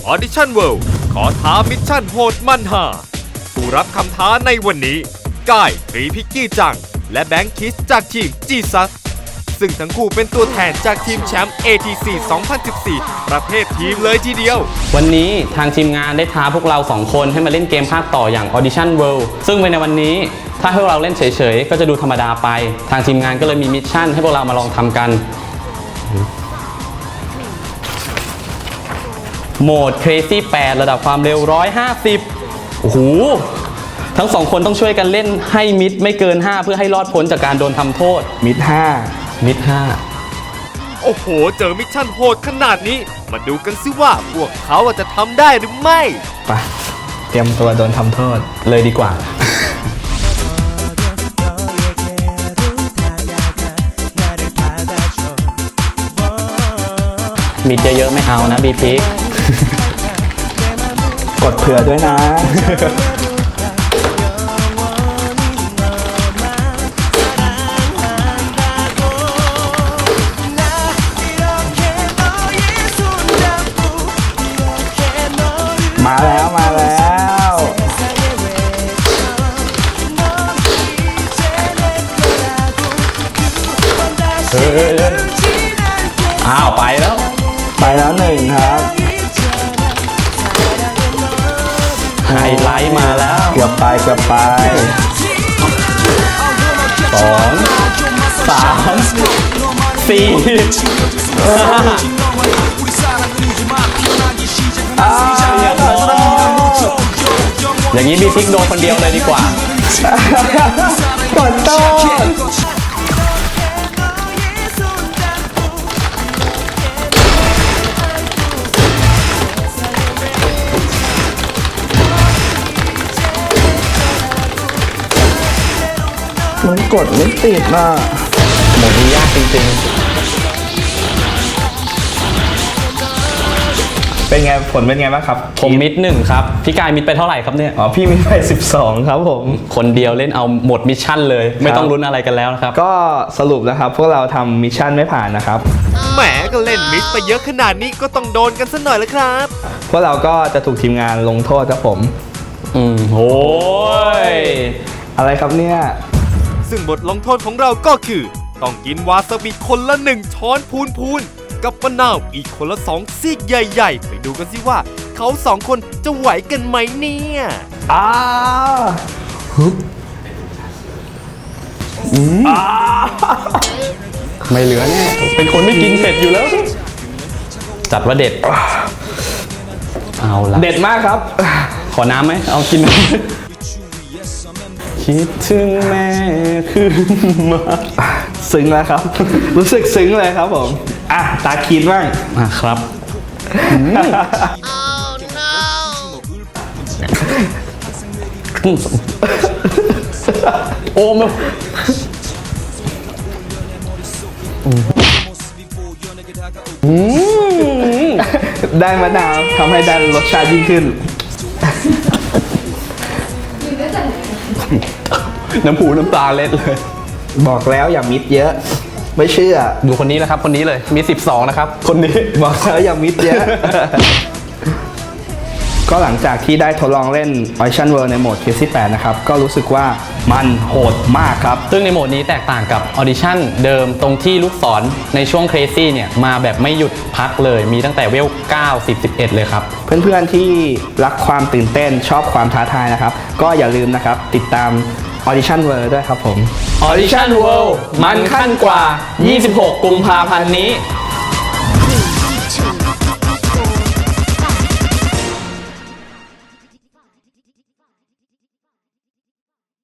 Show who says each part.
Speaker 1: Audition World ขอท้ามิชชั่นโหดมันหาผู้รับคำท้าในวันนี้กายทรีพิกกี้จังและแบงค์คิสจากทีมจีซัสซึ่งทั้งคู่เป็นตัวแทนจากทีมแชมป์ ATC 2014 ประเภททีมเลยทีเดียว
Speaker 2: วันนี้ทางทีมงานได้ท้าพวกเรา2คนให้มาเล่นเกมภาคต่ออย่าง Audition World ซึ่งในวันนี้ถ้าให้พวกเราเล่นเฉยๆก็จะดูธรรมดาไปทางทีมงานก็เลยมีมิชชั่นให้พวกเรามาลองทำกันโหมด Crazy 8 ระดับความเร็ว150โอ้โหทั้ง2คนต้องช่วยกันเล่นให้มิดไม่เกิน5เพื่อให้รอดพ้นจากการโดนทำโทษ
Speaker 3: มิด5
Speaker 1: โอ้โหเจอมิชชั่นโหดขนาดนี้มาดูกันสิว่าพวกเขาจะทำได้หรือไม่
Speaker 3: ไปเตรียมตัวโดนทำโทษ
Speaker 2: เลยดีกว่ามิดเยอะๆไม่เอานะบีพิก
Speaker 3: กดเผื่อด้วยนะมาแล้ว
Speaker 2: อ้าวไปแล้ว
Speaker 3: 1ครับ
Speaker 2: ไฮไลท์มาแล้ว
Speaker 3: เกือบไป2
Speaker 2: 3 4อย่างนี้บีพิกโดนคนเดียวเลยดีกว่าก
Speaker 3: ดโต้มันกดไม่ติดน่ะ
Speaker 2: โหมดนี้ยากจริงๆ
Speaker 3: เป็นไงผลเป็นไงบ้างครับ
Speaker 2: ผมมิด1ครับพี่กายมิดไปเท่าไหร่ครับเนี่ย
Speaker 3: พี่มิดไป12ครับผม
Speaker 2: คนเดียวเล่นเอาหมดมิชชั่นเลยไม่ต้องลุ้นอะไรกันแล้วนะครับ
Speaker 3: ก็สรุปนะครับพวกเราทำมิชชั่นไม่ผ่านนะครับ
Speaker 1: แหมก็เล่นมิดไปเยอะขนาดนี้ก็ต้องโดนกันสักหน่อยแล้วครับ
Speaker 3: พวกเราก็จะถูกทีมงานลงโทษครับผม
Speaker 2: โอ้ย
Speaker 3: อะไรครับเนี่ย
Speaker 1: ซึ่งบทลงโทษของเราก็คือต้องกินวาซาบิคนละ1 ช้อนพูนกับมะนาวอีกคนละ2 ซีกใหญ่ๆไปดูกันสิว่าเขา2 คนจะไหวกันไหมเนี่ย
Speaker 2: ไม่เหลือแน่เป็นคนไม่กินเผ็ดอยู่แล้วจัดว่าเด็ดเอาละ
Speaker 3: เด็ดมากครับ
Speaker 2: ขอน้ำไหมเอากินน้ำคิดถึงแม่ขึ้นมา
Speaker 3: ซึ้งแล้วครับรู้สึกซึ้งเลยครับผมตาคิดบ้าง
Speaker 2: ครับโอ้ม
Speaker 3: ได้มะนาวทำให้ได้รสชาติยิ่งขึ้น
Speaker 2: น้ำหูน้ำตาเล็ดเลย
Speaker 3: บอกแล้วอย่ามิดเยอะไม่เชื่อ
Speaker 2: ดูคนนี้นะครับคนนี้เลยมี12นะครับคนนี้
Speaker 3: บอกแล้วอย่ามิดเยอะ ก็หลังจากที่ได้ทดลองเล่น Audition World ในโหมด Crazy 8 นะครับก็รู้สึกว่ามันโหดมากครับ
Speaker 2: ซึ่งในโหมดนี้แตกต่างกับ Audition เดิมตรงที่ลูกศรในช่วง Crazy เนี่ยมาแบบไม่หยุดพักเลยมีตั้งแต่เวล9 10 11เลยครับ
Speaker 3: เพื่อนๆที่รักความตื่นเต้นชอบความท้าทายนะครับก็อย่าลืมนะครับติดตาม Audition World ด้วยครับผม
Speaker 2: Audition World มันขั้นกว่า26 กุมภาพันธ์นี้